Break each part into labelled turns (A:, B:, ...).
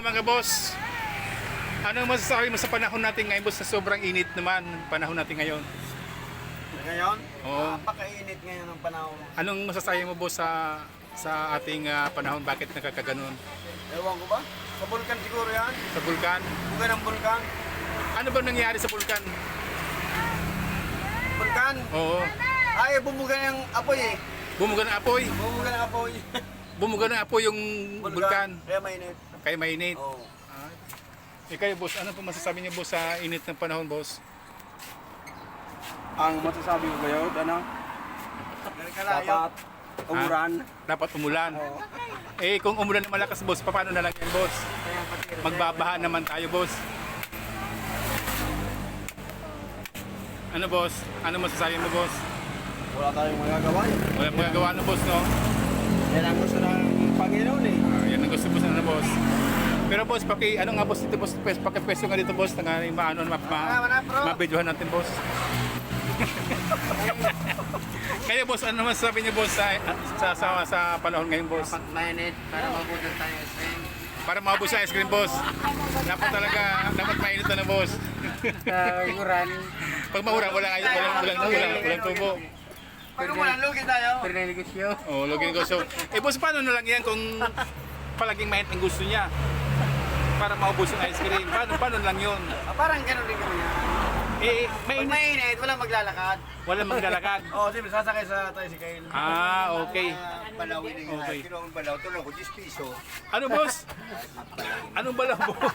A: mga boss. Ano masasabi mo sa panahon natin ngayon, boss, na sobrang init naman panahon natin ngayon?
B: Ngayon?
A: Oo.
B: Napakainit ngayon ng panahon.
A: Anong masasabi mo, boss, sa ating panahon? Bakit nagkakaganon?
B: Ewan ko ba? Sa bulkan siguro yan.
A: Sa bulkan?
B: Buga ng bulkan.
A: Ano ba nangyari sa bulkan?
B: Bulkan?
A: Oo.
B: Ay, bumuga ng apoy eh.
A: Bumuga ng apoy.
B: Bumuga ng apoy.
A: Bumuga ng apoy yung bulkan.
B: Kaya mainit.
A: Kaya mainit.
B: Oo.
A: Kayo, boss, ano po masasabi niyo, boss, sa init ng panahon, boss?
C: Ang masasabi ko ngayon, ano? Dapat umuran.
A: Dapat umulan. Eh, kung umulan na malakas, boss, paano na lang yan, boss? Magbabaha naman tayo, boss. Ano, boss? Ano masasabi mo, boss?
B: Wala tayong magagawa eh.
A: Wala magagawa na, boss, no?
B: Yan ang gusto ng Panginoon eh.
A: Yan ang gusto, boss, na, boss. Pero, boss, ano nga, boss, dito, boss, pakipwesto nga dito, boss, na maano, mabidyohan natin, boss. Kaya, boss, ano masasabi niyo, boss, sa panahon ngayon, boss?
B: Dapat mainit para mabutan tayo ice cream.
A: Para maubos sa ice cream, boss. Dapat mainit na, boss.
B: Umuran.
A: Pag maurang, walang tubo.
B: Pag umuran, lugi tayo.
A: Oh, login ko. So, boss, paano na lang yan kung palaging mainit ang gusto niya? Para maubos yung ice cream. Paano lang yun?
B: Parang gano'n din kami yan. Pag mainit, walang maglalakad.
A: Walang maglalakad.
B: Oo, siyempre, sasakay sa tricycle.
A: Okay.
D: Balawin na yun.
A: Okay.
D: Kinuha ang balaw. Tulong ko, 10 piso.
A: Ano, boss? Anong bala, boss?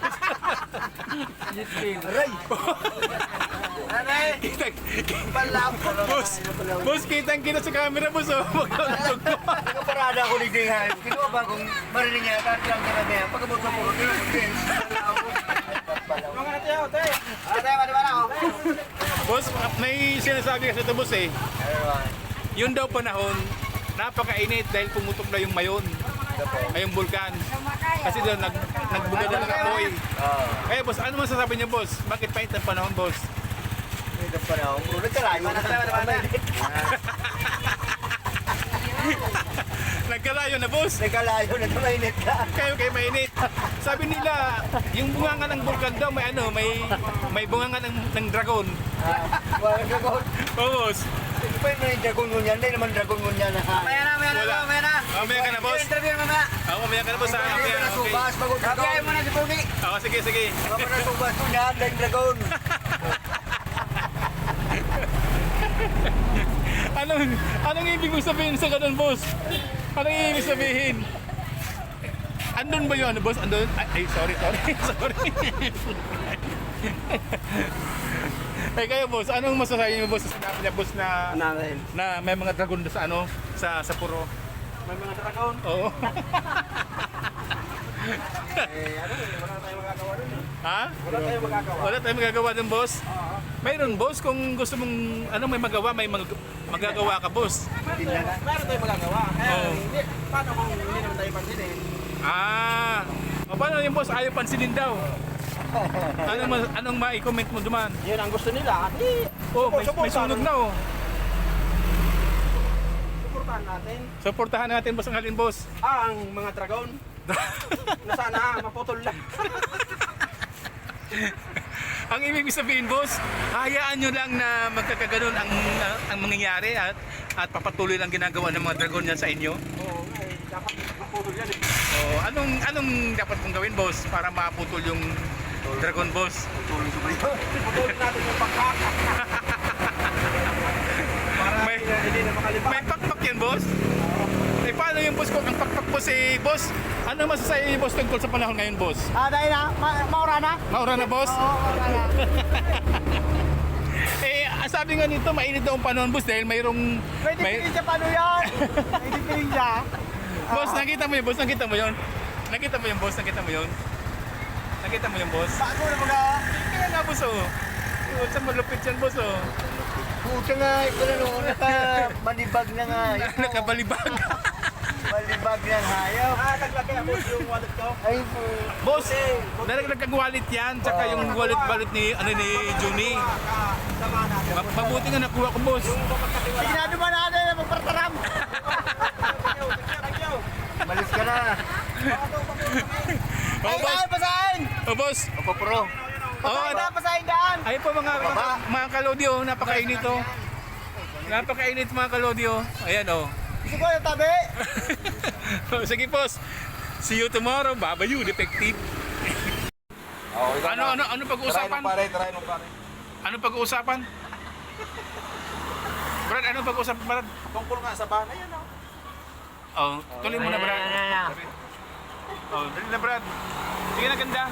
B: Aray! Aray! Balap!
A: Boss, kitang-kita sa camera, boss. Oh.
D: Nakaparada ako ni Dinghan. Kinuha ba kung marinig niya, tatang ka na niya. Pagkabot sa puro, kinuha ko din.
B: Mga natin ako, te! Ate, madiba na ako.
A: Boss, may sinasabi kasi ito, boss, eh. Yun daw panahon, napakainit dahil pumutok na yung mayon. Ay, yung bulkan. Kasi doon, nagbuga na ng apoy. Kaya, boss, ano masasabi niyo, boss? Bakit painit ang panahon, boss?
D: Ito pa na ako. Puro nagkalayo na tayo.
A: Nagkalayo na, boss.
D: Nagkalayo na tumainit ka.
A: Kayo mainit. Sabi nila, yung bunganga ng bulkan daw, may bunganga ng dragon.
D: Walang dragon.
A: Oo, boss.
D: Ito pa yung dragon mo niyan. Hindi naman dragon mo niyan.
B: Maya na.
A: Mamaya ka na, boss.
B: Interview mo na.
A: Mamaya ka na, boss.
D: Hindi ka na
A: Okay.
D: subas. Bago dragon.
B: Kapiyahin mo na si Pugi.
A: Sige.
D: Bago na subas mo niyan. Dahil dragon.
A: Anong ibig mo sabihin sa ganun, boss? Anong ibig sabihin? Andun ba yun, boss? Andun? Ay, sorry. Kayo, boss, anong masasabi niyo, boss, sa sinabi niya, boss, na may mga dragon sa sa puro?
B: May mga dragon.
A: Oo.
B: Wala tayong magagawa dun eh.
A: Ha?
B: Wala tayong magagawa.
A: Wala tayong magagawa dun, boss? Mayroon, boss, kung gusto mong may magawa, magagawa ka, boss.
B: Meron tayong magagawa. Kaya
A: Oo.
B: hindi. Paano kung hindi naman tayo pansinin?
A: Paano yung boss? Ayaw pansinin daw. Anong ma-comment mo duman?
B: Yun ang gusto nila.
A: May sunog na, oh.
B: Suportahan natin.
A: Supportahan natin, boss, ang halin, boss.
B: Ang mga dragon. Na sana maputol lang.
A: Ang ibig sabihin, boss, hayaan nyo lang na magkakaganon ang mangyayari at papatuloy lang ginagawa ng mga dragon yan sa inyo.
B: Oo, dapat maputol yan eh.
A: Anong dapat mong gawin, boss, para maputol yung dragon, boss?
B: Putulin natin yung pagkak. Para hindi na makalipad.
A: May pakpak yan, boss? Paano yung boss ko? Ang pakpak, boss, boss, ano masasabi niyo, boss, tungkol sa panahon ngayon, boss?
B: Dahil na, maura na.
A: Maura na, boss?
B: Oo, maura na.
A: Sabi nga nito, mainit daw ang panahon, boss, dahil mayroong...
B: Pwede piling siya paano yan? Pwede piling siya.
A: Boss, nakita mo yun, boss? Nakita mo yun? Nakita mo yun, boss? Nakita mo yun? Nakita mo yun, boss?
B: Bago na mga...
A: Kaya nga, boss, oh. Saan malupit yan, boss, oh.
D: Puta nga. Ito na nung nakabalibag na nga.
A: Nakabalibag.
D: Balibag ng hayop.
B: Naglagay ako yung wallet ko.
D: Ay po.
A: Boss, nalaglag ang wallet yan, tsaka yung wallet ni Juni.
B: Sama natin.
A: Mabuti nga nakuha ko, boss.
B: Signado ba natin na magpartaram?
D: Malis ka na.
A: Oh, boss.
B: pasahin!
A: Oh, boss.
D: Opo, pro.
A: Oh,
B: pasahin daan!
A: ayun po mga kalodyo, napakainit oh. Napakainit mga kalodyo. Ayan oh.
B: Gusto ko yung tabi!
A: Sige, boss. See you tomorrow. Babayu, detective. Ano pag-uusapan?
C: Try mo pare.
A: Ano pag-uusapan? Brad, ano pag-uusapan, Brad?
C: Tungkol nga sa bana yan oh.
A: Oh, tuloy mo na, Brad. Oh, dali na, Brad. Sige na, ganda.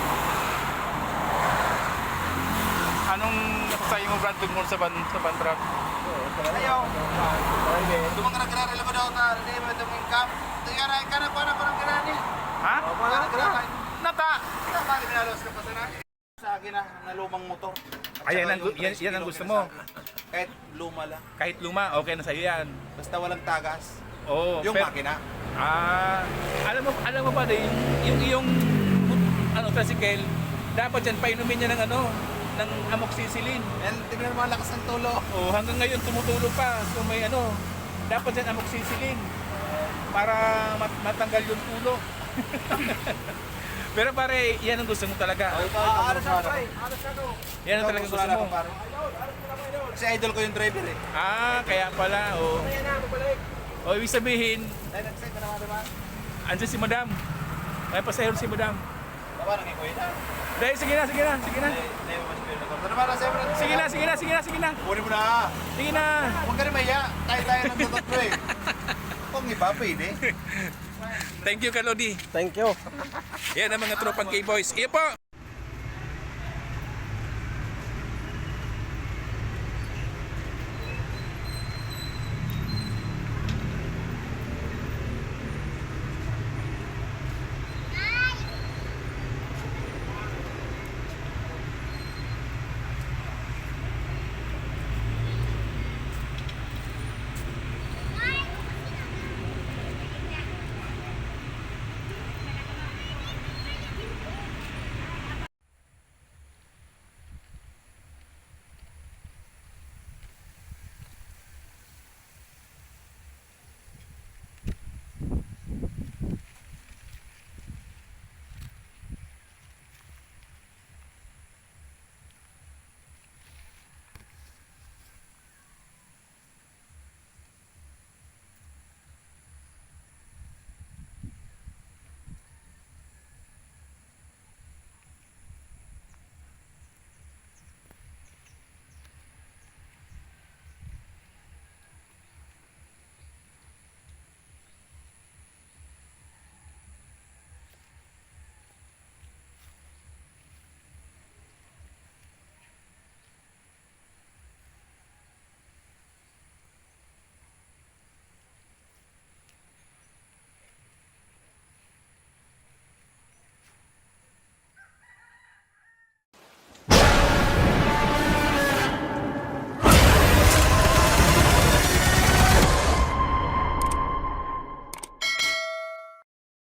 A: Anong nasasayo mo, Brad, tungkol sa ban, Brad?
B: Ayaw!
C: Dumang nagkararela mo daw na hindi mo itong camp. Tingara ka na pa ng ganani.
A: Ha? Nata!
C: Bakit nalos ka pa sana? Sa akin na lumang motor.
A: Ayan yan ang gusto mo.
C: Kahit luma lang.
A: Kahit luma, okay na sa'yo yan.
C: Basta walang tagas.
A: Oo.
C: Yung
A: pero-
C: makina.
A: alam mo ba din, yung iyong tricycle, dapat yan painumin niya ng amoxicillin.
C: And tingnan mo ang lakas ng tulo.
A: Oh, hanggang ngayon tumutulo pa. So may dapat yan amoxicillin para matanggal yung tulo. Pero pare, yan ang gusto mo talaga.
C: Aras ako.
A: Yan ang talaga gusto mo.
C: Kasi idol ko yung driver eh.
A: Kaya pala. Oh, ibig sabihin, andyan si Madam. May pasahero si Madam.
C: Baba nang ikuwi na.
A: Dahil, sige na. Sige na.
C: Kunin mo na.
A: Sige na.
C: Huwag ka rin maya. Tayo ng tatlo eh. Kung iba pwede.
A: Thank you, Kalodi.
B: Thank you.
A: Yan ang mga tropang K-Boys. Iyo po.